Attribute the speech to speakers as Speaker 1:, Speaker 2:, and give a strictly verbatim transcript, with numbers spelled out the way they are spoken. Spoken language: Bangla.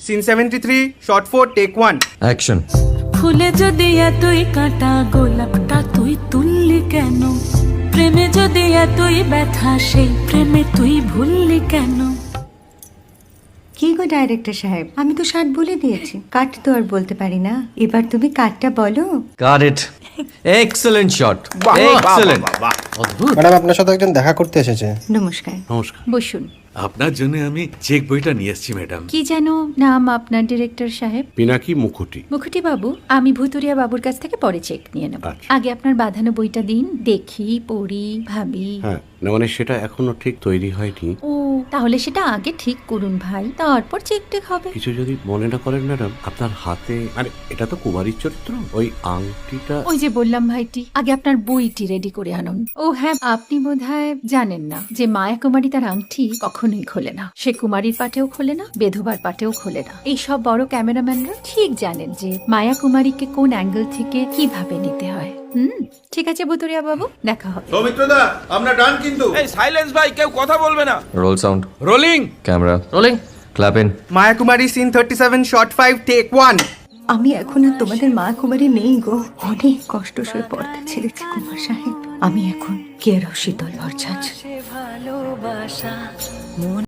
Speaker 1: Scene seventy three shot four take one.
Speaker 2: Action.
Speaker 3: ফুলে যদি এতই কাঁটা গোলাপটা তুই তুললি কেন? প্রেমে যদি এতই ব্যথা সেই প্রেমে তুই ভুললি কেন?
Speaker 4: কি গো ডাইরেক্টর সাহেব, আমি তো ষাট বলে দিয়েছি, কাট তো আর বলতে পারি না। এবার তুমি কাটটা বলো।
Speaker 2: Got it. Excellent shot, excellent. অদ্ভুত।
Speaker 5: ম্যাডাম আপনার সাথে একজন দেখা করতে এসেছে।
Speaker 4: নমস্কার।
Speaker 6: নমস্কার।
Speaker 7: বসুন।
Speaker 6: আপনার জন্য আমি চেক বইটা নিয়ে এসেছি ম্যাডাম।
Speaker 7: কি যেন নাম আপনার ডিরেক্টর সাহেব?
Speaker 6: পিনাকি মুখোটি।
Speaker 7: মুখুটি বাবু, আমি ভুতুরিয়া বাবুর কাছ থেকে পরে চেক নিয়ে নেব।
Speaker 6: আচ্ছা।
Speaker 7: আগে আপনার বাঁধানো বইটা দিন, দেখি, পড়ি, ভাবি।
Speaker 6: হ্যাঁ, না মানে সেটা এখনো ঠিক তৈরি হয়নি।
Speaker 7: ও, তাহলে সেটা আগে ঠিক করুন ভাই, তারপর চেক টেক হবে।
Speaker 6: কিছু যদি মনে না করেন ম্যাডাম, আপনার হাতে মানে এটা তো কুমারীর চরিত্র, ওই আংটিটা।
Speaker 7: ওই যে বললাম ভাইটি, আগে আপনার বইটি রেডি করে আনুন। ও হ্যাঁ, আপনি বোধহয় জানেন না যে মায়া কুমারী তার আংটি কখনোই খোলে না। সে কুমারীর পাটেও খোলে না, বেধবার পাটেও খোলে না। এই সব বড় ক্যামেরাম্যানরা ঠিক জানেন যে মায়া কুমারীকে কোন অ্যাঙ্গেল থেকে কিভাবে নিতে হয়। হুম, ঠিক আছে ভুতুরিয়া বাবু, দেখা হবে।
Speaker 8: সৌমিত্রদা আমরা ডান কিন্তু। এই সাইলেন্স ভাই, কেউ কথা বলবে না।
Speaker 2: Roll sound,
Speaker 8: rolling
Speaker 2: camera rolling, clap in.
Speaker 1: Maya Kumari scene thirty seven shot five take one.
Speaker 4: আমি এখন আর তোমাদের মা কুমারী নেই গো, অনেক কষ্ট সয়ে পড়তে ছেড়েছি কুমার সাহেব। আমি এখন কেরও শীতল ভরছাছ।
Speaker 3: ভালোবাসা মন